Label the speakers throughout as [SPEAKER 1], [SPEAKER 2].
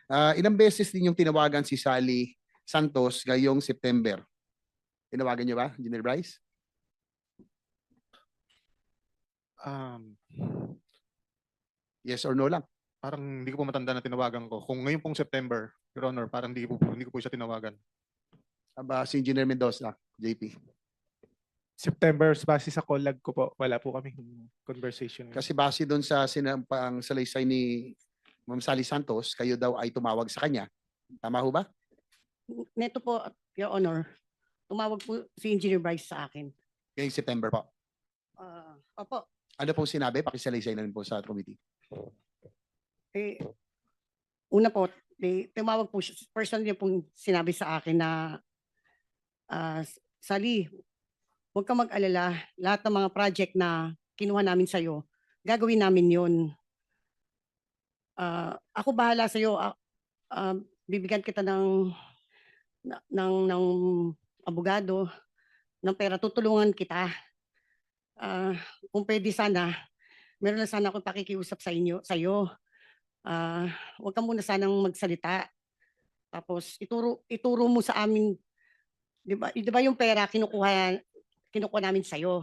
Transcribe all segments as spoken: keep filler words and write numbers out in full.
[SPEAKER 1] Ah, ilang beses din yung tinawagan si Sally Santos ngayong September? Tinawagan niyo ba, Engineer Bryce?
[SPEAKER 2] Um,
[SPEAKER 1] Yes or no lang?
[SPEAKER 2] Parang hindi ko po matanda na tinawagan ko. Kung ngayon pong September, Your Honor, parang hindi ko po, hindi ko po siya tinawagan.
[SPEAKER 1] Aba, si Engineer Mendoza, J P.
[SPEAKER 3] September, base sa call log ko po, wala po kami conversation.
[SPEAKER 1] Kasi base doon sa sinampang salaysay ni Ma'am Sally Santos, kayo daw ay tumawag sa kanya. Tama ho ba?
[SPEAKER 4] Neto po, Your Honor, tumawag po si Engineer Bryce sa akin.
[SPEAKER 1] Ngayong September po.
[SPEAKER 4] Ah, opo,
[SPEAKER 1] Ano pong sinabi? Pakisalaysay na rin po sa committee.
[SPEAKER 4] eh, una po, eh, tumawag po siya, person niya pong sinabi sa akin na, ah, Sally, huwag kang mag-alala, lahat ng mga project na kinuha namin sa'yo, gagawin namin yun. Ah, ako bahala sa'yo, ah, ah, bibigyan kita ng, na- ng, ng abogado, ng pera, tutulungan kita. Ah, kung pwede sana, meron na sana akong pakikiusap sa inyo, sa'yo. Ah, huwag ka muna sanang magsalita. Tapos ituro ituro mo sa amin, 'di ba? 'Di ba yung pera kinukuha kinukuha namin sa iyo.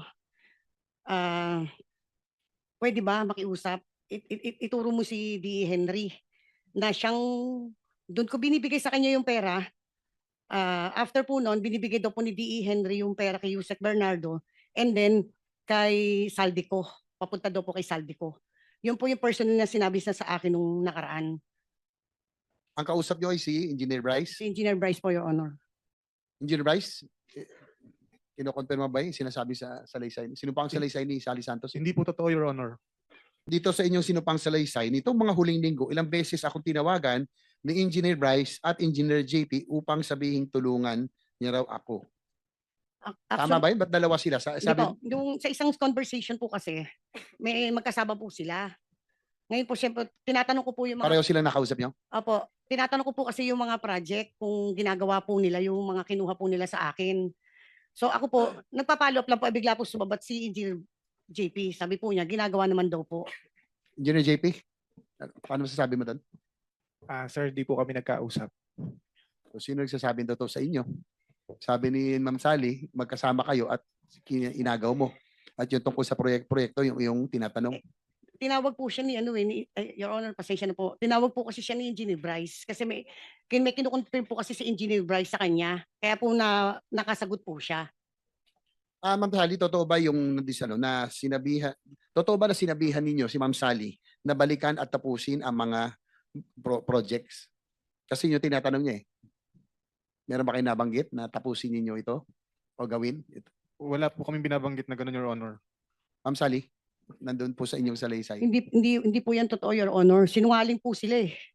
[SPEAKER 4] Ah, pwede ba makiusap? It, it, it- ituro mo si D. Henry na siyang doon ko binibigay sa kanya yung pera. Ah, after po noon, binibigay daw po ni D. Henry yung pera kay Yusek Bernardo and then kay Saldico. Papunta daw po kay Saldico. Yun po yung personal na sinabi sa sa akin nung nakaraan.
[SPEAKER 1] Ang kausap niyo ay si Engineer Bryce.
[SPEAKER 4] Si Engineer Bryce po, Your Honor.
[SPEAKER 1] Engineer Bryce, eh, kinokonfirma ba yung sinasabi sa salaysay? Sino pa ang salaysay ni Sally Santos?
[SPEAKER 2] Hindi po totoo, Your Honor.
[SPEAKER 1] Dito sa inyong sinupang salaysay, nitong mga huling linggo, ilang beses akong tinawagan ni Engineer Bryce at Engineer J P upang sabihin tulungan niya raw ako.
[SPEAKER 4] Ac-
[SPEAKER 1] Tama
[SPEAKER 4] Actually,
[SPEAKER 1] ba yun? Ba't dalawa sila? Sa,
[SPEAKER 4] hindi
[SPEAKER 1] sabi,
[SPEAKER 4] po, yung sa isang conversation po kasi, may magkasama po sila. Ngayon po, syempre, tinatanong ko po yung mga,
[SPEAKER 1] pareho silang nakausap niyo?
[SPEAKER 4] opo, tinatanong ko po kasi yung mga project, kung ginagawa po nila, yung mga kinuha po nila sa akin. So ako po, nagpa-follow up lang po, eh, bigla po sumabat si Engineer J P. Sabi po niya, ginagawa naman daw po.
[SPEAKER 1] Engineer J P, paano masasabi mo doon?
[SPEAKER 3] Ah, sir, di po kami nagkausap.
[SPEAKER 1] So, sino nagsasabi daw to sa inyo? Sabi ni Ma'am Sally, magkasama kayo at kin- inagaw mo. At yung tungkol sa proyek-proyekto, yung, yung tinatanong.
[SPEAKER 4] Tinawag po siya ni ano eh, ni, eh, Your Honor, pasensya na po. Tinawag po kasi siya ni Engineer Bryce kasi may kin may kinukonfirm po kasi si Engineer Bryce sa kanya. Kaya po na nakasagot po siya.
[SPEAKER 1] Ah, Ma'am Sally, totoo ba yung nandis, ano, na sinabihan, totoo ba na sinabihan ninyo si Ma'am Sally na balikan at tapusin ang mga pro- projects? Kasi yung tinatanong niya eh. Meron ba kayo nabanggit na tapusin ninyo ito o gawin? Ito.
[SPEAKER 2] Wala po kami binabanggit na gano'n, Your Honor.
[SPEAKER 1] Ma'am Sally, nandun po sa inyong salaysay.
[SPEAKER 4] Hindi hindi hindi po yan totoo, Your Honor. Sinungaling po sila eh.